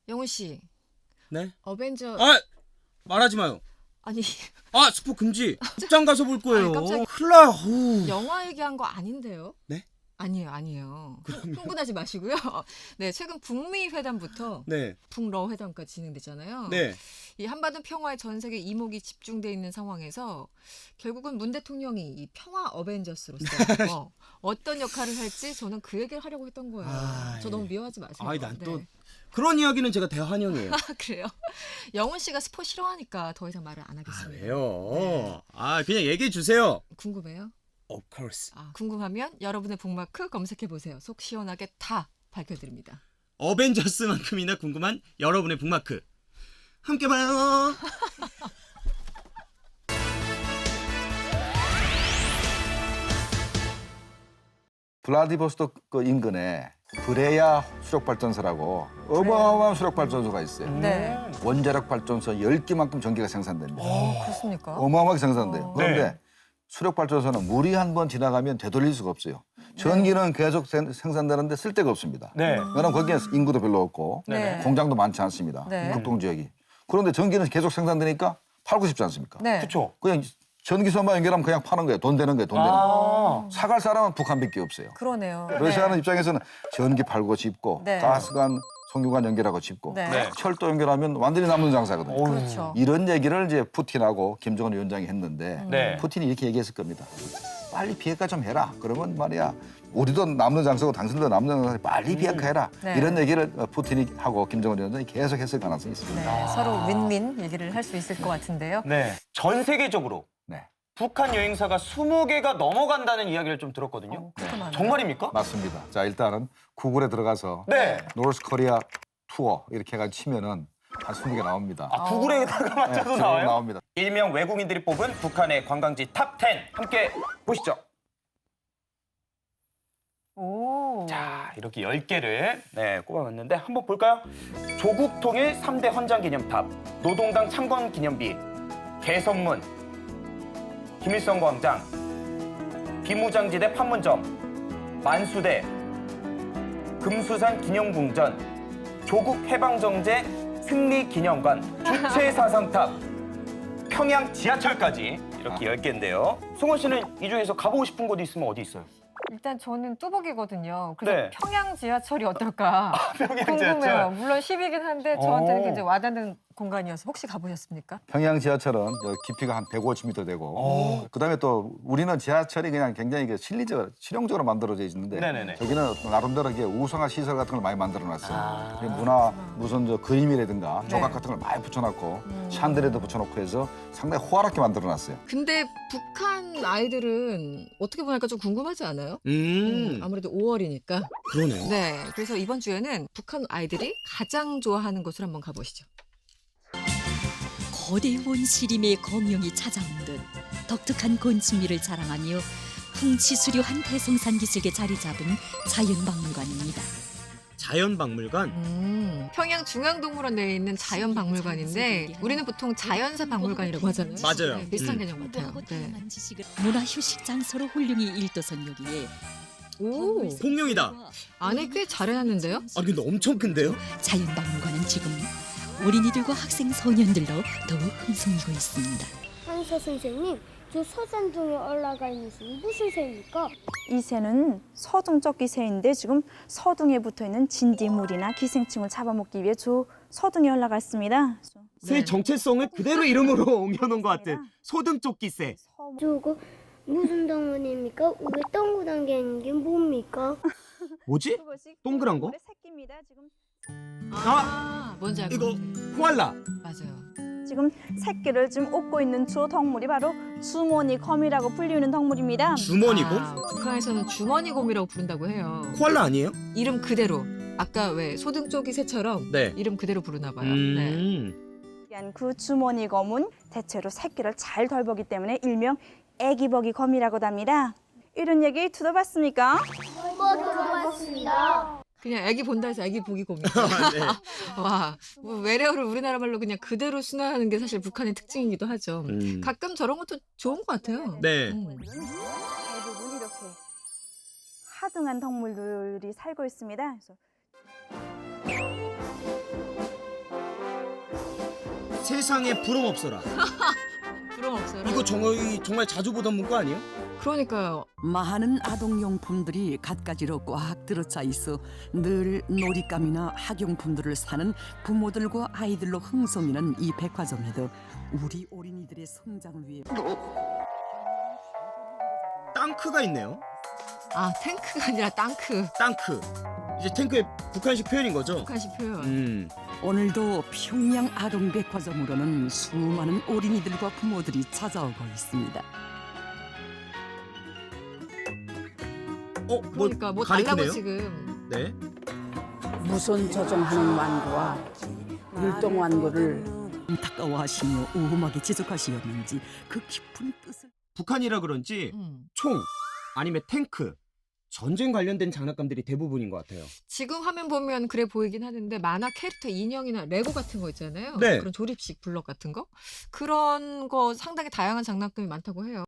영훈 씨, 네? 어벤져 아! 말하지 마요. 아니 아, 스포 금지. 극장 가서 볼 거예요. 아니, 깜짝이야. 큰일 나. 후. 영화 얘기한 거 아닌데요? 네? 아니에요. 흥분하지 마시고요. 네, 최근 북미 회담부터 네. 북러 회담까지 진행됐잖아요. 네. 이 한반도 평화에 전 세계 이목이 집중돼 있는 상황에서 결국은 문 대통령이 이 평화 어벤져스로서 어떤 역할을 할지 저는 그 얘기를 하려고 했던 거예요. 아, 저 너무 미워하지 마세요. 아이, 난 또 네. 그런 이야기는 제가 대환영이에요. 아, 그래요? 영훈 씨가 스포 싫어하니까 더 이상 말을 안 아, 하겠습니다. 왜요? 네. 아, 그냥 얘기해 주세요. 궁금해요? Of course. 아, 궁금하면 여러분의 북마크 검색해 보세요. 속 시원하게 다 밝혀드립니다. 어벤져스만큼이나 궁금한 여러분의 북마크. 함께 봐요. 블라디보스토크 인근에 브레야 수력발전소라고 어마어마한 수력발전소가 있어요. 네. 원자력 발전소 10개만큼 전기가 생산됩니다. 그렇습니까? 어마어마하게 생산돼요. 그런데 네. 수력발전소는 물이 한 번 지나가면 되돌릴 수가 없어요. 전기는 계속 생산되는데 쓸 데가 없습니다. 네. 왜냐하면 거기에 인구도 별로 없고 네. 공장도 많지 않습니다. 네. 극동 지역이. 그런데 전기는 계속 생산되니까 팔고 싶지 않습니까? 네. 그렇죠. 그냥 전기선만 연결하면 그냥 파는 거예요. 돈 되는 거예요. 돈 되는 거. 아. 사갈 사람은 북한밖에 없어요. 그러네요. 러시아는 입장에서는 전기 팔고 짚고 네. 가스관, 송유관 연결하고 짚고 네. 네. 철도 연결하면 완전히 남는 장사거든요. 어휴. 그렇죠. 이런 얘기를 이제 푸틴하고 김정은 위원장이 했는데 네. 푸틴이 이렇게 얘기했을 겁니다. 빨리 비핵화 좀 해라. 그러면 말이야 우리도 남는 장사고 당신도 남는 장사고 빨리 비핵화해라. 네. 이런 얘기를 푸틴이 하고 김정은 위원장이 계속 했을 가능성이 있습니다. 네, 서로 윈윈 얘기를 할 수 있을 것 같은데요. 네. 전 세계적으로 네, 북한 여행사가 20개가 넘어간다는 이야기를 좀 들었거든요. 그렇게 많아요? 정말입니까? 맞습니다. 자 일단은 구글에 들어가서 네. 노스 코리아 투어 이렇게 해가지고 치면은 한 20개 나옵니다. 아, 구글에다가 맞춰서 네, 나와요? 나옵니다. 일명 외국인들이 뽑은 북한의 관광지 탑 10 함께 보시죠. 오. 자, 이렇게 10개를 꼽아봤는데 한번 볼까요? 조국 통일 3대 헌장 기념탑, 노동당 창건 기념비, 개선문, 김일성 광장, 비무장지대 판문점, 만수대, 금수산 기념궁전, 조국 해방정제 승리 기념관, 주체사상탑, 평양 지하철까지 이렇게 10개인데요. 송원 씨는 이 중에서 가보고 싶은 곳이 있으면 어디 있어요? 일단 저는 뚜벅이거든요. 그래서 네. 평양 지하철이 어떨까 평양 궁금해요. 지하철. 물론 10이긴 한데 저한테는 오. 굉장히 와닿는 공간이어서 혹시 가보셨습니까? 평양 지하철은 깊이가 한 150m 되고 오. 그다음에 또 우리는 지하철이 그냥 굉장히 실용적으로 만들어져 있는데 네네네. 저기는 나름대로 이게 우성화 시설 같은 걸 많이 만들어놨어요. 아. 문화 무슨 그림이라든가 네. 조각 같은 걸 많이 붙여놨고 샨들에도 붙여놓고 해서 상당히 호화롭게 만들어놨어요. 근데 북한 아이들은 어떻게 보니까 좀 궁금하지 않아요? 아무래도 5월이니까. 그러네요. 네, 그래서 이번 주에는 북한 아이들이 가장 좋아하는 곳을 한번 가보시죠. 거대한 시림의 검용이 찾아온 듯 독특한 곤충미를 자랑하며 풍치수려한 대성산 기슭에 자리 잡은 자연박물관입니다. 자연박물관? 평양 중앙동물원 내에 있는 자연박물관인데 우리는 보통 자연사 박물관이라고 하잖아요. 맞아요. 네, 비슷한 개념 같아요. 네. 문화휴식 장소로 훌륭히 일도선 여기에 오, 공룡이다. 안에 꽤 잘 해놨는데요? 아, 근데 엄청 큰데요? 자연박물관은 지금 어린이들과 학생 소년들로 더욱 흥성이고 있습니다. 한서 선생님, 저 서산동에 올라가 있는 새는 무슨 새입니까? 이 새는 서둥적기 새인데 지금 서둥에 붙어있는 진딧물이나 기생충을 잡아먹기 위해 저 서둥에 올라가 있습니다. 새 정체성을 그대로 이름으로 옮겨놓은 것 같은 소등쫓기새. 저거 무슨 동물입니까? 왜 동그란 게 있는 게 뭡니까? 뭐지? 동그란 거? 새끼입니다. 지금 뭔지 알것 이거 같아. 코알라. 맞아요. 지금 새끼를 지금 업고 있는 저 덩물이 바로 주머니검이라고 불리는 덩물입니다. 주머니곰? 북한에서는 주머니곰이라고 부른다고 해요. 코알라 아니에요? 이름 그대로. 아까 왜 소등쪽이 새처럼 네. 이름 그대로 부르나 봐요. 네. 그 주머니검은 대체로 새끼를 잘 덜보기 때문에 일명 애기버기검이라고도 합니다. 이런 얘기 들어봤습니까? 들어봤습니다. 그냥 애기 본다 해서 애기 보기 곰이. 네. 와, 뭐 외래어를 우리나라 말로 그냥 그대로 순화하는 게 사실 북한의 특징이기도 하죠. 가끔 저런 것도 좋은 것 같아요. 네. 대부분 이렇게 하등한 덩물들이 살고 있습니다. 그래서 세상에 부럼 없어라. 부럼 없어요. 이거 정말 자주 보던 문구 아니에요? 그러니까요. 많은 아동용품들이 갖가지로 꽉 들어차 있어 늘 놀잇감이나 학용품들을 사는 부모들과 아이들로 흥성이는 이 백화점에도 우리 어린이들의 성장을 위해 땅크가 있네요. 아, 탱크가 아니라 땅크. 땅크. 이제 탱크의 북한식 표현인 거죠? 북한식 표현. 오늘도 평양 아동백화점으로는 수많은 어린이들과 부모들이 찾아오고 있습니다. 그러니까 뭐 달라고 가리키네요? 지금. 네. 무선 조종하는 완구와 율동 완구를 안타까워하시며 오험하게 지적하시었는지 그 깊은 뜻을 북한이라 그런지 총 아니면 탱크 전쟁 관련된 장난감들이 대부분인 것 같아요. 지금 화면 보면 그래 보이긴 하는데 만화 캐릭터 인형이나 레고 같은 거 있잖아요. 네. 그런 조립식 블럭 같은 거. 그런 거 상당히 다양한 장난감이 많다고 해요.